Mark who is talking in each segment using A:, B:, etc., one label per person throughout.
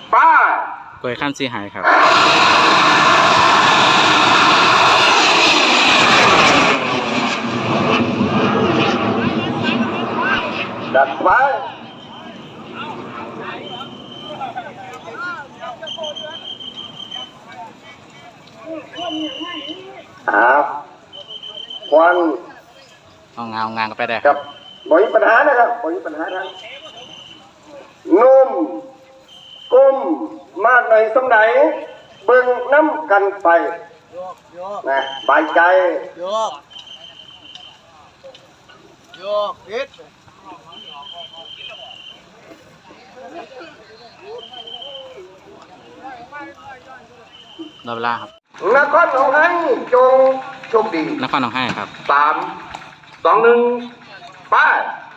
A: ป้าย
B: กล้วยขั้นสีหายครับ
A: ดัดไว้ควัน
B: เอางานก็ไปได้
A: ครับบ่มีปัญหานะครับบ่มีปัญหาทางนุ่มก้มมากในสมัยเบิ่งน้ำกันไปนะบายใจ
C: โยกพิษ
B: รอเวลาครับ
A: นครหนองไห้จงโชคดี
B: นครหนองไห้ครับ
A: 3 2 1ไป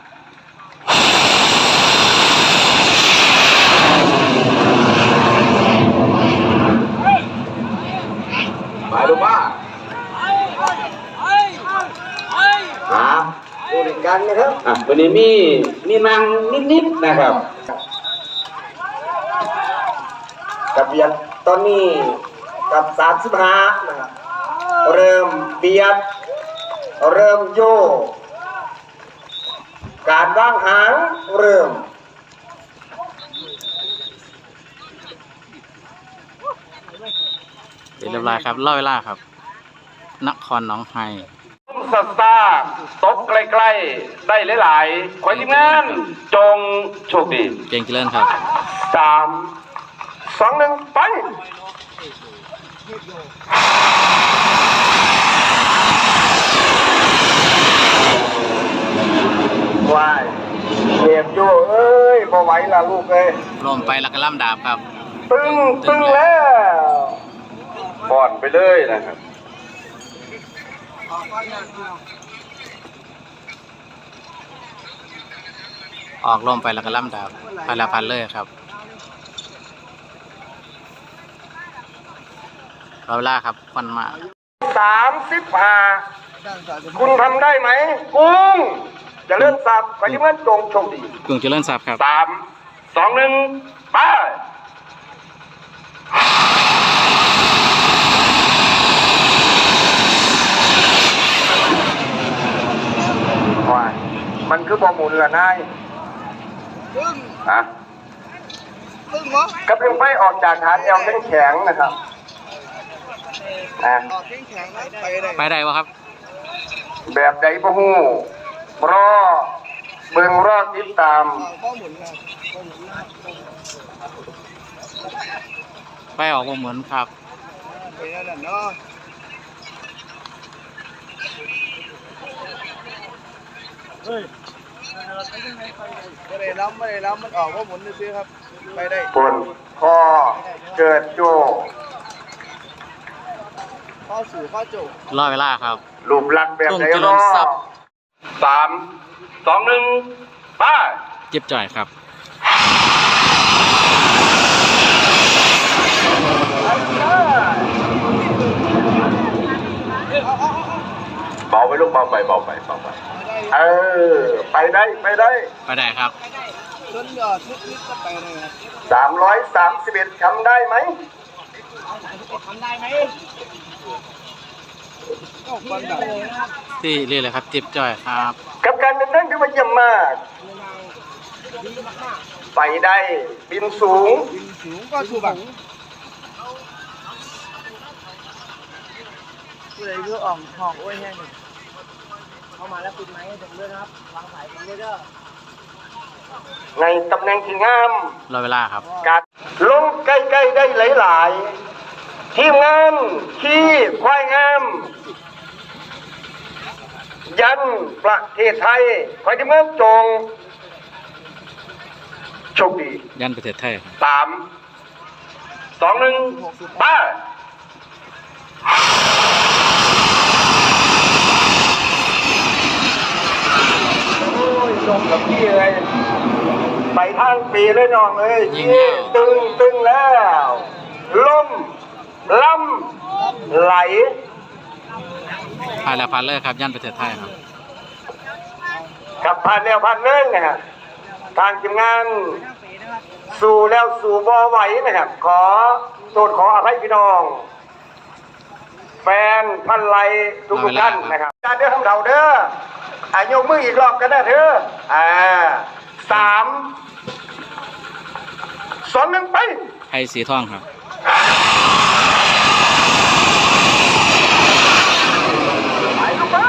A: ดูว่าดูดิกันนะครับวันนี้มีนางนิดๆนะครับกับเบียดตอนนี้กับ35นะครับเริ่มเบียดเริ่มโยกการวางหางเริ่ม
B: เรียบร้อยครับรอเวลาครับนครหนองไห้
A: สตาร์ตกใกล้ๆได้หลายๆขอทีมงานจงโชคดี
B: เก่งเจริญครับ
A: 3 2 1ไปวายเรียบโยเอ้ยพอไหวล่ะลูกเอ้ย
B: ลมไปแล้วก็ล่ำดาบครับ
A: ตึงแล้วบ่อนไปเลยนะครับ
B: ออกลมไปแล้วก็ล่ำดาบพันละพันเลยครับรอเวลาครับควันมา
A: 35คุณทำได้ไหมกุ้งจะเลื่อนสับไปที่เมื่อจงโชคดี
B: กุ้งจะเลื่อนสับครับ
A: 3 2 1ไปมันคือบอหมุนละนายกระเพื่อมไฟออกจากฐานแอลแข็งนะครับ
B: ไปได้วะครับ
A: แบบใดพะฮู้รอเบิ่งรอติดตาม
B: ไปออกวงเหมือนครับ
C: ไม่ได้ล้ำมันออกว่าหมุนซื้อครับไปได้
A: ปนพอเกิดโจ
C: ข้อสู่ข้อโจ
B: รอเวลาครับ
A: รูปลักษณ์แบบไหนรอ3 2 1ไป
B: เจ็บจ่อยครับ
A: เบาไปลูกเบาไปไปได้
B: ไปได้ครับ
C: ต้นยอดทุกก็ไปเลยครับ
A: 331ทำได้ไหม
B: ที่เรียกเลยครับเจ็บจ่อยครับ
A: กับการเดินทางที่ว่าเยี่ยมมากไปได้บินสูง
C: ก็ถูกบังผู้ใดคืออ่องหอกโอ้ยแห้งเข้ามาแล้วปิดไม้ให้ผมด้วยครับวางสายผมด้วยเด้อ
A: ในตำแหน่งที่งาม
B: รอเวลาครับ
A: การลงใกล้ๆได้หลายๆทีมงานขี้ควายงามยันประเทศไทยคอยที่เมื่อจงโชคดี
B: ยันประเทศไทย
A: 3 2 1บ้าจงกับพี่เลยไปทางปีเลยน้องเลยยี่ตึงแล้วล่มล่ำไหล
B: ผ่านแล้วผ่านเลยครับยันประเทศไทยครับ
A: กับผ่านแล้วผ่านเลยนะฮะทางทีมงานสู่แล้วสู่บ่ไหวนะครับ ขอโทษขออภัยพี่น้อง แฟนพันไลทุกท่านนะครับการเด้อทำเท่าเด้ออายกมืออีกรอบกันนะเธอ3 2 1ไป
B: ไอ้สีทองครับ
A: ไปลูกมา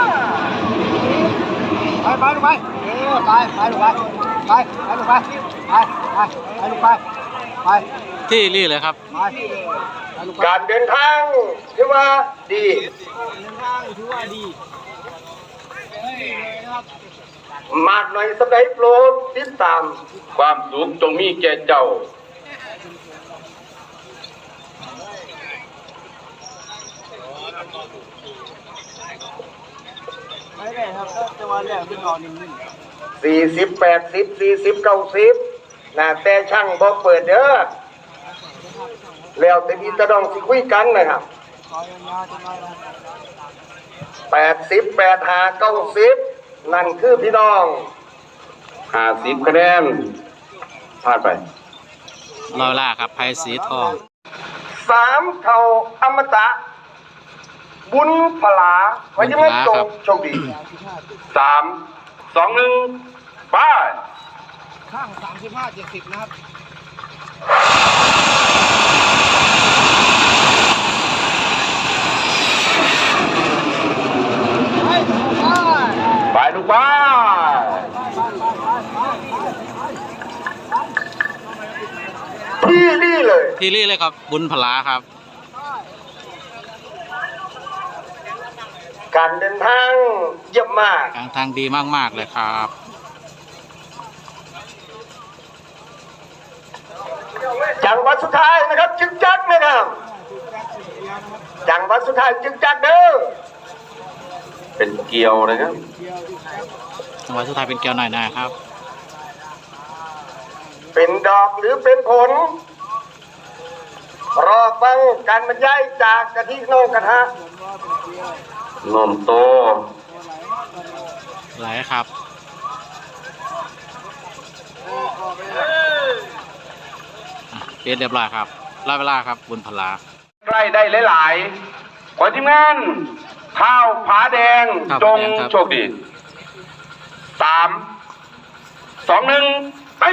C: ไปลูกไปไปลูกไปไปลูกไปไปลูกไปไป
B: ที่รี่เลยครับ
C: ไปลูกไป
A: การเดินทางถือว่าดี
C: เดินทางถือว่าดี
A: มากหน่อยสำหรับโปรดติดตาม
D: ความสุขจงมีแก่เจ้า
C: ไม่ได้ครับก็จะมาเรียกพี่น้องนิ่ง
A: 40 80 40 90นะแต่ช่างบอกเปิดเด้อแล้วแต่พี่ตะดองสิคุยกันนะครับ
C: ๆขอยาวๆจะมาแล้ว
A: 80 85 90นั่นคือพี่น้อง
D: 50 คะแนนพลาดไป
B: รอเวลาครับไพ่สีทอง
A: 3 เท่าอมตะ บุญพลาไว้ที่มันจงโชคดี
D: 3 2 1ไป
C: ข้าง35-70นะครับไป
D: ไปลูกบ้า
A: ที่นี่เลย
B: ที่รี่เลยครับ บุญพลาครับ
A: การเดินทางเยี่ยมมาก
B: กลางทางดีมากๆเลยครับ
A: จังหวัดสุดท้ายนะครับ จึงจักนะครับจังหวัดสุดท้ายจึงจักเด้อ
D: เป็นเกลียวนะครับ
B: จังหวะสุดท้ายเป็นเกียวหน่อยนะครับ
A: เป็นดอกหรือเป็นผล รอฟังการบรรยายจากกะทิโนกระทะ
D: นมโต
B: ไหลครับเรียบร้อยครับรอเวลาครับ บุญพลา
D: ใกล้ได้หลายๆขอทีมงานข้าวผาแดง
B: ข้าว
D: จ
B: ผาง แดงครับ
D: โชคดี 3 2 1ไป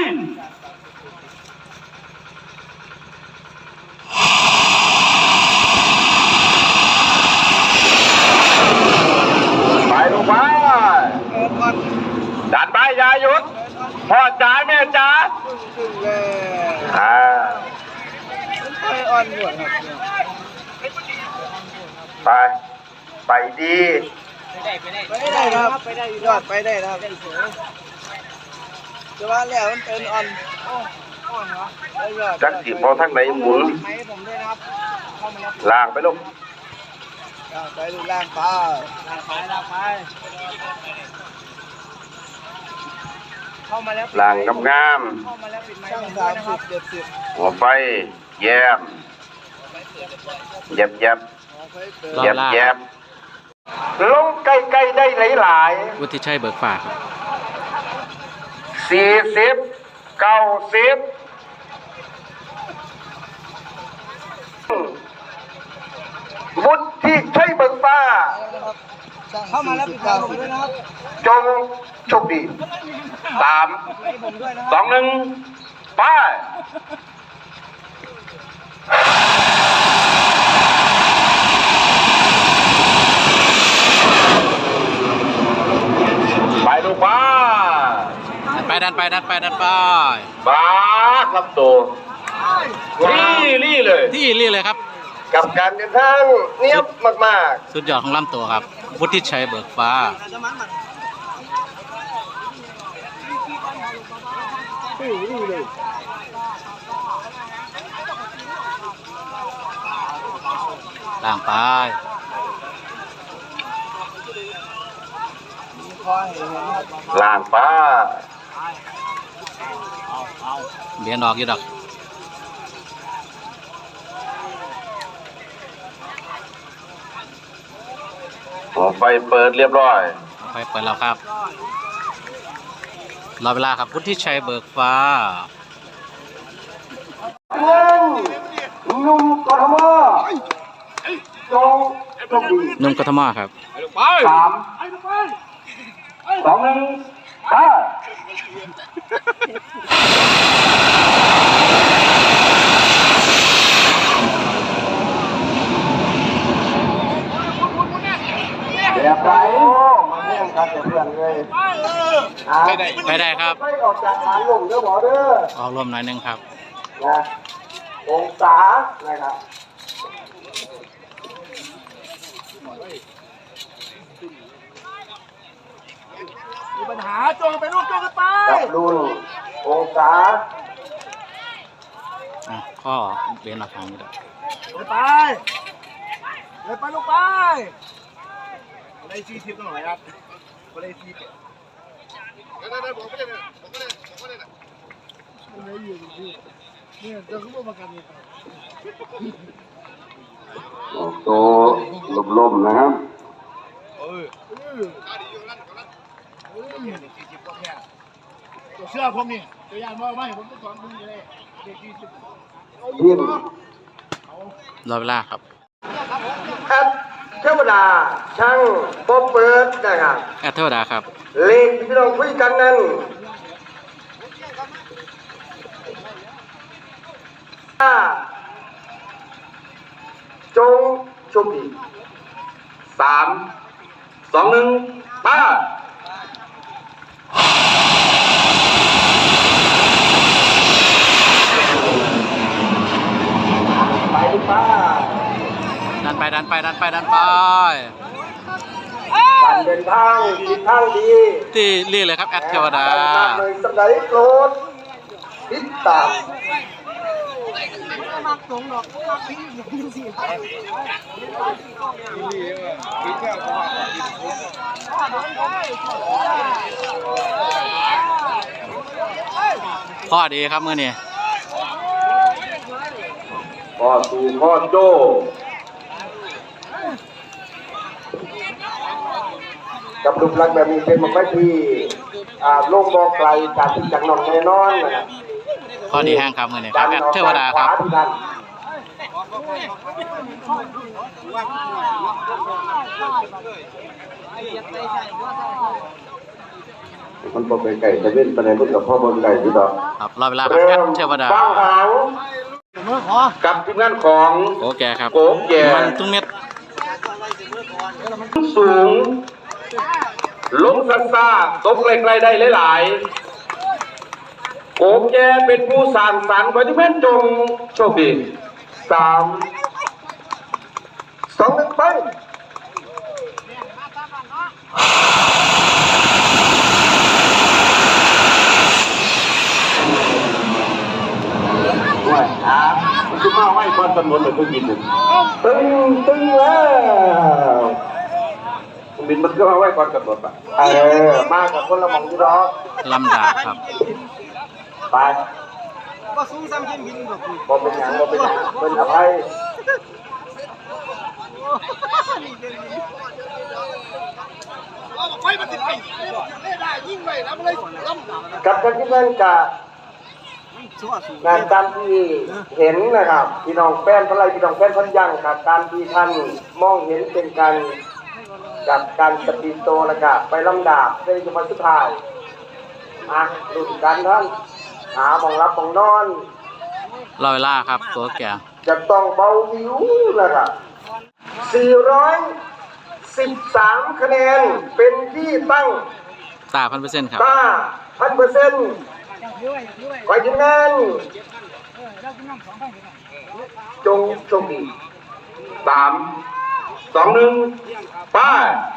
D: ไปลูกไปดันไปอยาหยุดพ่อจ๋าแม่จ๋า
C: ขึ้นเลย ไปอ่อนหัวครับ
A: ไป ไปดี
C: ไปได้ครับไปได้ยอดไปได้ครับจะว่าแล้วมันเป็นอ่อนเหรอ
D: จักสิพอทั้งไหนหมุน
C: ไหมผมด้วยนะครับเข้ามาแล้ว
D: ล่างไปลูก
C: ไปดูล่างไปล่างไปเข้ามาแล้ว
D: ล่างงาม
C: เข้ามาแล้วปิดไม้ช่าง30-70
D: ๆหัวไฟแยบแยบแยบ
B: รอ
D: แย
B: เว
D: บ
B: ลา
D: แยบ
A: ลงใกล้ๆได้หลาย
B: วุฒิชัยเบิกฟ้าครับ
A: ๆ40 90วุฒิชัยเบิกฟ้า
C: เข้ามาแล้วปิดไม้ผมด้วยนะครับ
A: จงโชคดี
D: 3
C: ไม้ผมด้วยนะครับ
D: 2 1ไปไปลูกบ้า
B: ดันไปดันไป
D: บ้าครับตัวรี่เลย
B: ที่รี่เลยครับ
A: กับการเดินทางเนียบมาก
B: สุดยอดของลำตัวครับ วุฒิชัยเบิกฟ้า ล่างไป
D: ล่างป้า
B: เบียนออกอยู่ดอก
D: หัวไฟเปิดเรียบร้อย
B: ไปเปิดแล้วครับ รอเวลาครับ วุฒิชัยเบิกฟ้านุ่มกทมครับ
D: 3 2 1ไปแบบไหน
A: โอ้มาแย่งกันแต่เพื่อนเลย
B: ไปได้ครับ
A: ไม่ออกจากฐานลมเด้อหมอเด้อ
B: ออกลมหน่อยหนึงครับ
A: นะองศานะครับ
C: มีปัญหาจงไปลูกจงกันไป
A: จับรุ่นองศา
B: ข้อเบนออกทางนี้ได้
C: ไปเลยไปลูกไปอะไร40ต้องหน่อยครับอะไร40เนี่ยจะขึ้นมาประกันเลย
A: โตลมๆนะครับ
C: เชื่อผมนี่ตัวยานมากไหมผมต้องสอนคุณเลยเด็ก40
A: ยิ้ม
B: รอเวลาครับ
A: แอปเทวดาช่างปอเปิดนะครับ
B: แอดเทวดาครับ
A: เลขที่เราคุยกันนั้นจงโชคดี
D: 3 2 1ไป
A: ไปป้า
B: ดันไปดันไปดันไปดันไป
A: การเดินทางทิศทางดี
B: ที่เรียกเลยครับแอดเทวดา
A: เลยสัปดาห์โปรดติดตาม
B: ข้อดีครับมือนี้
A: พ่อสู่พ่อโจกับรูปลักษณ์แบบนี้เป็นมันไม่ที่โลกมองไกลจากที่จากนอนแน่นอนนะครับ
B: ข้อดีแห้งครับมือนี้ครับแอดเทวดาครับ
A: มันพอเป็นไก่จะเล่นไปในรุ่นกับพ่อบนไก่ที่ดอก
B: ครับรอเวลาครับแอดเทวดา
A: บ้างหาง
D: กับทีมงานของ
B: โอเคครับ
D: โกแก่
B: มันตุ้งเม็ด
D: สูงลงซันซาตกไกลๆได้หลายๆโกแก่เป็นผู้สร้างสรรค์ขอที่แม่นจงโชคดี
A: 3 2 1ไปด้วยครับมันจะมาไหว้บอลตำรวจเลยเพิ่งบินหนึ่งตึงแล้วบินมันก็มาไหว้บอลตำรวจปะมากับคนละมองที่รอ
B: ลำดาบครับ
A: ไป
C: ก็สูงซ้ำยิ่งบินแบบคุณ
A: บ่เป็นอย่างบ่เป็นอย่างเป็นอภัยกับการที่นั่นกับงานตามที่เห็นนะครับพี่น้องแฟนพลายพี่น้องแฟนพันยังกับการที่ท่านมองเห็นเป็นการกับการสปีโตแล้วก็ไปลำดาบในจังหวัดสุดท้ายดูกันท่านหาของรับของนอน
B: รอเวลาครับตัวแก่
A: จะต้องเบาวิวนะครับ413 คะแนนเป็นที่ตั้ง
B: ตา1,000%ครับ
A: ตา1,000%ขอให้ทีมงานจงโชคดี
D: 3 2 1ไป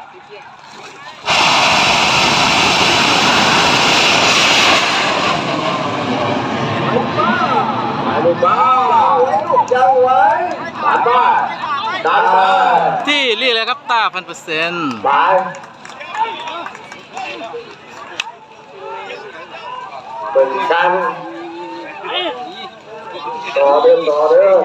A: ลูกบ้าลูกยังไว้ดันมาดันมา
B: ที่เรียกเลยครับตา1,000%
A: ไปเป็นกันต่อเดินต่อเดิน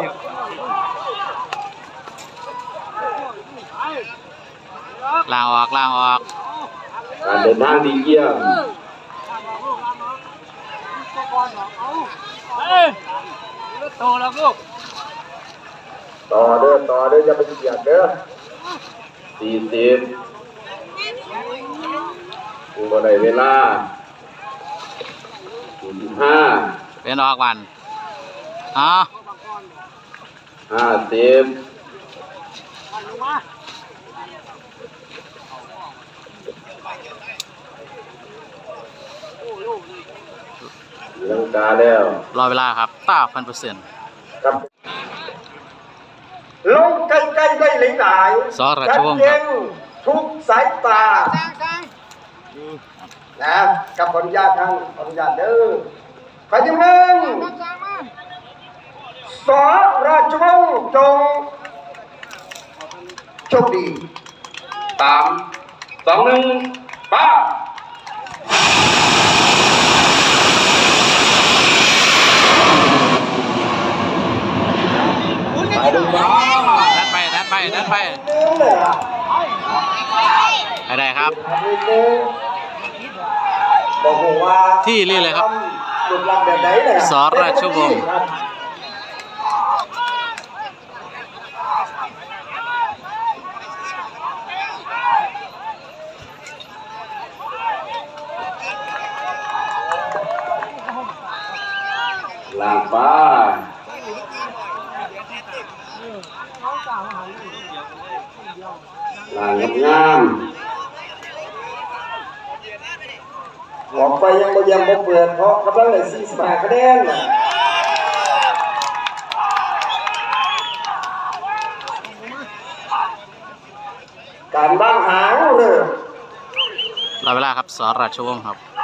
B: ล่างออกล่างออก
A: การเดินทางดีเยี่ยม
C: โตแล้วลูก
A: ต่อเด้ออย่าไปเกียดเด้อ
D: 40บ่ได้เวลา45
B: เป็นออกวันอ๋อ
D: 50ลังกาแล้ว
B: รอเวลาครับ9,000%
D: ครับ
A: ลงใกล้ๆได้หลายๆ
B: สราชวงศ์ครับ
A: ชัดเจนทุกสายตานะกับขออนุญาตทางขออนุญาตเด้อไปที่หนึ่งสราชวงศ์จงโชคดี
D: 3 2 1ป้าไปดูบ้า
B: ดันไปให้ได้ครับ
A: บอกว่า
B: ที่นี่เลยครับ
A: รูปร่างแบบไหนเนี่ย
B: สราชวงศ์
D: ลางฟ้าลางงาม
A: ออกไปยังบ่ยังบ่เปิดเพราะกำลังได้45คะแนนน่ะการบ้างหางเริ่ม
B: รอเวลาครับสราชวงศ์ครับ